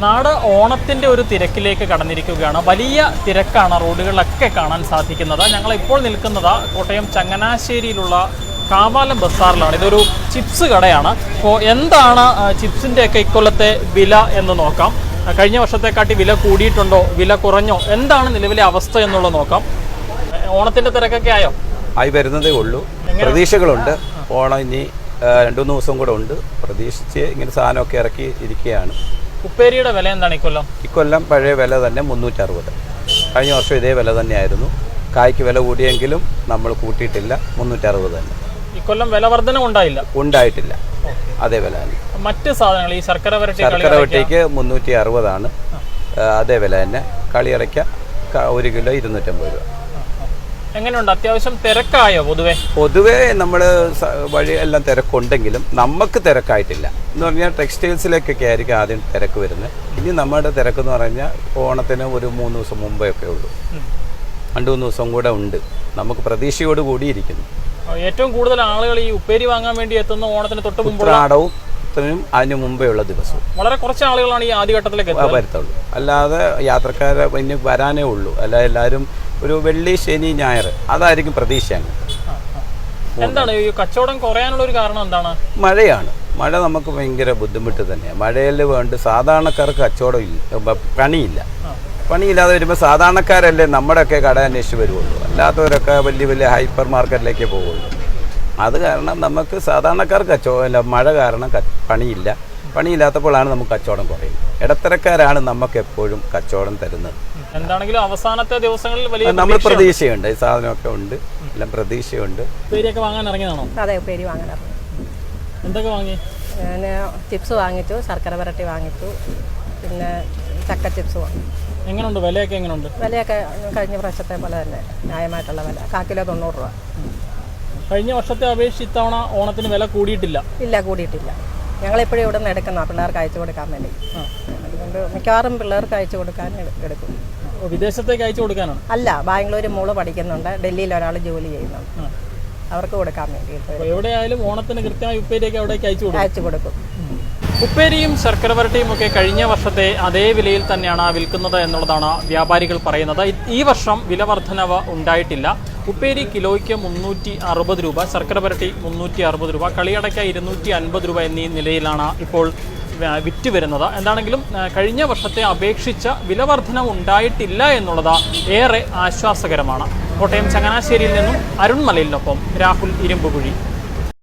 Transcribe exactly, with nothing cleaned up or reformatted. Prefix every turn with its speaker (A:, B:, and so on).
A: നാട് ഓണത്തിൻ്റെ ഒരു തിരക്കിലേക്ക് കടന്നിരിക്കുകയാണ്. വലിയ തിരക്കാണ് റോഡുകളിലൊക്കെ കാണാൻ സാധിക്കുന്നത്. ഞങ്ങളിപ്പോൾ നിൽക്കുന്നത് കോട്ടയം ചങ്ങനാശ്ശേരിയിലുള്ള കാവാലം ബസാറിലാണ്. ഇതൊരു ചിപ്സ് കടയാണ്. അപ്പോൾ എന്താണ് ചിപ്സിൻ്റെയൊക്കെ ഇക്കൊല്ലത്തെ വില എന്ന് നോക്കാം. കഴിഞ്ഞ വർഷത്തെക്കാട്ടി വില കൂടിയിട്ടുണ്ടോ, വില കുറഞ്ഞോ, എന്താണ് നിലവിലെ അവസ്ഥ എന്നുള്ളത് നോക്കാം. ഓണത്തിൻ്റെ തിരക്കൊക്കെ ആയോ?
B: ആയി വരുന്നതേ ഉള്ളൂ. പ്രതീക്ഷകളുണ്ട്. ഓണം ഇനി രണ്ടു മൂന്ന് ദിവസം കൂടെ ഉണ്ട്. പ്രതീക്ഷിച്ച് ഇങ്ങനെ സാധനമൊക്കെ ഇറക്കി ഇരിക്കുകയാണ്.
A: ഉപ്പേരിയുടെ വില എന്താണ് ഇക്കൊല്ലം?
B: ഇക്കൊല്ലം പഴയ വില തന്നെ മുന്നൂറ്റി അറുപത്. കഴിഞ്ഞ വർഷം ഇതേ വില തന്നെയായിരുന്നു. കായ്ക്ക് വില കൂടിയെങ്കിലും നമ്മൾ കൂട്ടിയിട്ടില്ല, മുന്നൂറ്റി അറുപത് തന്നെ.
A: ഇക്കൊല്ലം വില വർധന ഉണ്ടായില്ല?
B: ഉണ്ടായിട്ടില്ല, അതേ വില തന്നെ.
A: മറ്റ് സാധനങ്ങൾ ഈ ശർക്കര വരട്ടി
B: ശർക്കര വരട്ടിക്ക് മുന്നൂറ്റി അറുപതാണ്, അതേ വില തന്നെ. കളിയറയ്ക്ക ഒരു കിലോ ഇരുന്നൂറ്റമ്പത് രൂപ.
A: എങ്ങനെയുണ്ട്? അത്യാവശ്യം തിരക്കായോ? പൊതുവെ
B: പൊതുവേ നമ്മൾ വഴി എല്ലാം തിരക്കുണ്ടെങ്കിലും നമുക്ക് തിരക്കായിട്ടില്ല എന്ന് പറഞ്ഞാൽ ടെക്സ്റ്റൈൽസിലേക്കൊക്കെ ആയിരിക്കും ആദ്യം തിരക്ക് വരുന്നത്. ഇനി നമ്മുടെ തിരക്കെന്ന് പറഞ്ഞാൽ ഓണത്തിന് ഒരു മൂന്ന് ദിവസം മുമ്പേ ഒക്കെ ഉള്ളൂ. രണ്ടു മൂന്ന് ദിവസം കൂടെ ഉണ്ട്. നമുക്ക് പ്രതീക്ഷയോട് കൂടി ഇരിക്കുന്നു.
A: ഏറ്റവും കൂടുതൽ ആളുകൾ ഈ ഉപ്പേരി വാങ്ങാൻ വേണ്ടി എത്തുന്ന ഓണത്തിന് തൊട്ട് മുമ്പ്
B: ഉത്രാടവും അതിന് മുമ്പേ ഉള്ള ദിവസവും
A: വളരെ കുറച്ച് ആളുകളാണ് ഈ ആദ്യഘട്ടത്തിലേക്ക്
B: വരത്തുള്ളൂ. അല്ലാതെ യാത്രക്കാരെ ഇനി വരാനേ ഉള്ളൂ. അല്ല എല്ലാവരും ഒരു വെള്ളി ശനി ഞായർ അതായിരിക്കും പ്രതീക്ഷ.
A: എന്താണ് ഈ കച്ചവടം കുറയാനുള്ള ഒരു കാരണം? എന്താണ്?
B: മഴയാണ്. മഴ നമുക്ക് ഭയങ്കര ബുദ്ധിമുട്ട് തന്നെയാണ്. മഴയിൽ വേണ്ട സാധാരണക്കാർക്ക് കച്ചവടം ഇല്ല, പണിയില്ല. പണിയില്ലാതെ വരുമ്പോൾ സാധാരണക്കാരല്ലേ നമ്മുടെയൊക്കെ കട അന്വേഷിച്ച് വരുള്ളൂ. അല്ലാത്തവരൊക്കെ വലിയ വലിയ ഹൈപ്പർ മാർക്കറ്റിലേക്കേ പോവുള്ളൂ. അത് കാരണം നമുക്ക് സാധാരണക്കാർക്ക് കച്ചവടം മഴ കാരണം പണിയില്ല. പണിയില്ലാത്തപ്പോഴാണ് നമുക്ക് കച്ചവടം കുറയുന്നത്. ഇടത്തരക്കാരാണ് നമുക്ക് എപ്പോഴും കച്ചവടം തരുന്നത്.
A: എന്താണെങ്കിലും അവസാനത്തെ ദിവസങ്ങളിൽ വലിയ
B: നമ്മൾ പ്രതീക്ഷയുണ്ട്. ഈ സാധനമൊക്കെ ഉണ്ട്, എല്ലാം പ്രതീക്ഷയുണ്ട്.
A: ഉപ്പേരിയൊക്കെ വാങ്ങാൻ ഇറങ്ങിയതാണോ?
C: അതെ, ഉപ്പേരി വാങ്ങാൻ ഇറങ്ങി.
A: എന്തൊക്കെ വാങ്ങി?
C: ഞാൻ ചിപ്സ് വാങ്ങിച്ചു, ശർക്കര വരട്ടി വാങ്ങിച്ചു, പിന്നെ ചക്ക ചിപ്സ് വാങ്ങി.
A: എങ്ങനെയുണ്ട്? വിലയൊക്കെ എങ്ങനെയുണ്ട്?
C: വിലയൊക്കെ കഴിഞ്ഞ പ്രാവശ്യത്തെ പോലെ തന്നെ ന്യായമായിട്ടുള്ള വില. കാ കിലോ തൊണ്ണൂറ് രൂപ.
A: കഴിഞ്ഞ വർഷത്തെ അപേക്ഷിച്ച് ഇത്തവണ ഓണത്തിന് വില കൂടിയിട്ടില്ല?
C: ഇല്ല, കൂടിയിട്ടില്ല. ഞങ്ങളെപ്പോഴും ഇവിടെ നിന്ന് എടുക്കുന്ന പിള്ളേർക്ക് അയച്ചു കൊടുക്കാൻ വേണ്ടി. അതുകൊണ്ട് മിക്കവാറും പിള്ളേർക്ക് അയച്ചു കൊടുക്കാൻ എടുക്കും.
A: വിദേശത്തേക്ക് അയച്ചു കൊടുക്കാനാണ്?
C: അല്ല, ബാംഗ്ലൂർ മോള് പഠിക്കുന്നുണ്ട്, ഡൽഹിയിൽ ഒരാൾ ജോലി ചെയ്യുന്നുണ്ട്, അവർക്ക് കൊടുക്കാൻ വേണ്ടിയിട്ട്.
A: എവിടെയായാലും ഓണത്തിന് കൃത്യമായി ഉപ്പേരിയൊക്കെ അവിടേക്ക് അയച്ചു കൊടുക്കും
C: അയച്ചു കൊടുക്കും
A: ഉപ്പേരിയും ശർക്കര വരട്ടിയും ഒക്കെ കഴിഞ്ഞ വർഷത്തെ അതേ വിലയിൽ തന്നെയാണ് വിൽക്കുന്നത് എന്നുള്ളതാണ് വ്യാപാരികൾ പറയുന്നത്. ഈ വർഷം വില വർധനവ് ഉണ്ടായിട്ടില്ല. ഉപ്പേരി കിലോയ്ക്ക് മുന്നൂറ്റി അറുപത് രൂപ, ശർക്കര വരട്ടി മുന്നൂറ്റി അറുപത് രൂപ, കളിയടയ്ക്ക ഇരുന്നൂറ്റി അൻപത് രൂപ എന്നീ നിലയിലാണ് ഇപ്പോൾ വിറ്റ് വരുന്നത്. എന്താണെങ്കിലും കഴിഞ്ഞ വർഷത്തെ അപേക്ഷിച്ച് വില വർധനവ് ഉണ്ടായിട്ടില്ല എന്നുള്ളത് ഏറെ ആശ്വാസകരമാണ്. കോട്ടയം ചങ്ങനാശ്ശേരിയിൽ നിന്നും അരുൺ മലയിലിനൊപ്പം രാഹുൽ ഇരുമ്പുകുഴി.